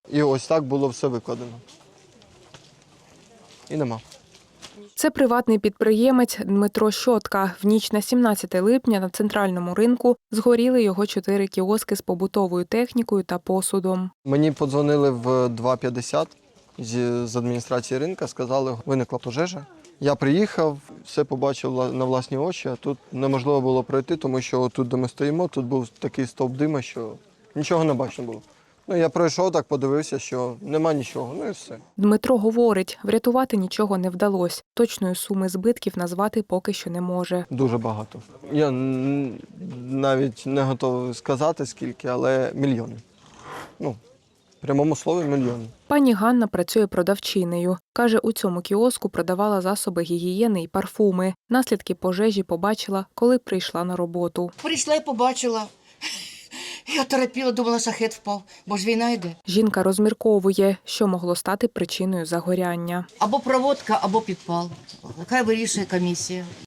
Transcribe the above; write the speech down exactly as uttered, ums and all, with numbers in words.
І ось так було все викладено. І нема. Це приватний підприємець Дмитро Щотка. В ніч на сімнадцяте липня на центральному ринку згоріли його чотири кіоски з побутовою технікою та посудом. Мені подзвонили в два п'ятдесят з з адміністрації ринку, сказали, виникла пожежа. Я приїхав, все побачив на власні очі, а тут неможливо було пройти, тому що тут, де ми стоїмо, тут був такий стовп дима, що нічого не бачно було. Ну, я пройшов так, подивився, що нема нічого, ну і все. Дмитро говорить, врятувати нічого не вдалося. Точної суми збитків назвати поки що не може. Дуже багато. Я н- навіть не готовий сказати, скільки, але мільйони. Ну, в прямому слові мільйони. Пані Ганна працює продавчинею. Каже, у цьому кіоску продавала засоби гігієни і парфуми. Наслідки пожежі побачила, коли прийшла на роботу. Прийшла і побачила. Я торопіла, думала, шахет впав, бо ж війна йде. Жінка розмірковує, що могло стати причиною загоряння. Або проводка, або підпал. Хай вирішує комісія.